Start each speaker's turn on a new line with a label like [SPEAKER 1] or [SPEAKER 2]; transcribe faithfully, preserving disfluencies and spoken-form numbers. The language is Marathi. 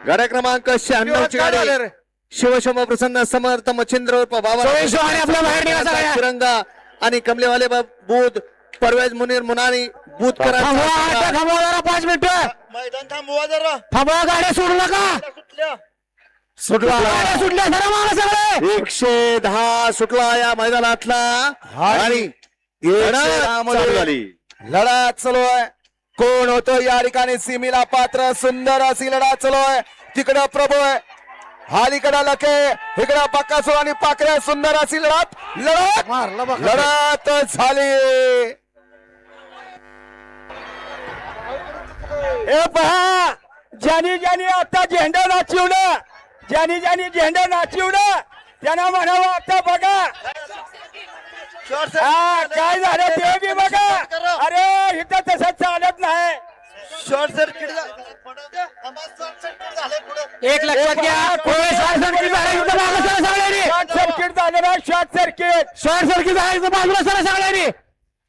[SPEAKER 1] गाड्या क्रमांक शहाण्णव ची गाडी शिवशंभ प्रसन्न समर्थ मच्छिंद्र उर्फ बाबा तिरंगा आणि कमलेवाले बूथ परवेज मुनीर मुनानी बूथ करा
[SPEAKER 2] पाच मिनिट
[SPEAKER 3] मैदान थांबवा जरा.
[SPEAKER 2] थांबवा गाड्या सोडू नका
[SPEAKER 3] सुटल्या
[SPEAKER 1] सुटला
[SPEAKER 2] गाड्या सुटल्या जरा मारा सगळे
[SPEAKER 1] एकशे दहा सुटला या मैदानातला आणि
[SPEAKER 4] चालू झाली.
[SPEAKER 2] लढत चालू आहे. कोण होतो या ठिकाणी सीमेला पात्र सुंदर अशी लढत चालू आहे. तिकडं प्रभू आहे हालीकडं लके इकडं बक्कासूर आणि पाकऱ्या सुंदर अशी लढत लढत लढत झाली. ए पहा ज्यानी ज्यानी आता झेंडा नाचिवलं ज्यानी ज्यानी झेंडा नाचिवलं त्यांना म्हणावं आता बघा हा काय झालं ते बी बघा. अरे इथं तसं चालत नाही.
[SPEAKER 3] शॉर्ट सर्किट
[SPEAKER 2] एक लक्षात घ्या शॉर्ट सर्किट झालं short circuit short circuit short circuit झालं बाजूला सर सगळ्यांनी